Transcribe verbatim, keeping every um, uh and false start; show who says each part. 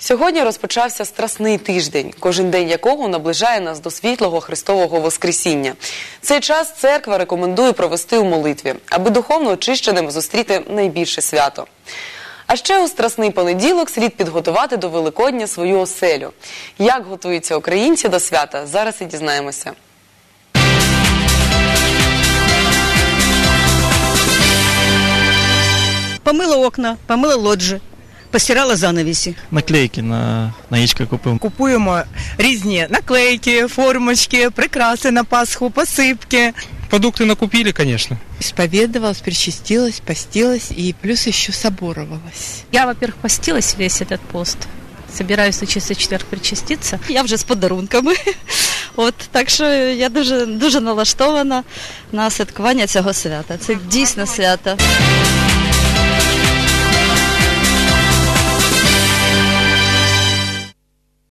Speaker 1: Сьогодні розпочався Страсний тиждень, кожен день якого наближає нас до світлого Христового Воскресіння. Цей час церква рекомендує провести у молитві, аби духовно очищеним зустріти найбільше свято. А ще у Страсний понеділок слід підготувати до Великодня свою оселю. Як готуються українці до свята, зараз і дізнаємося.
Speaker 2: Помила окна, помила лоджії, постирала занавісі.
Speaker 3: Наклейки на, на яєчка купуємо.
Speaker 4: Купуємо різні наклейки, формочки, прикраси на Пасху, посипки.
Speaker 5: Продукты накупили, конечно.
Speaker 4: Исповедовалась, причастилась, постилась и плюс еще соборовалась.
Speaker 6: Я, во-первых, постилась весь этот пост. Собираюсь на чистий четверг причаститися.
Speaker 2: Я вже з подарунками. От, так що я дуже, дуже налаштована на святкування цього свята. Це дійсно свято.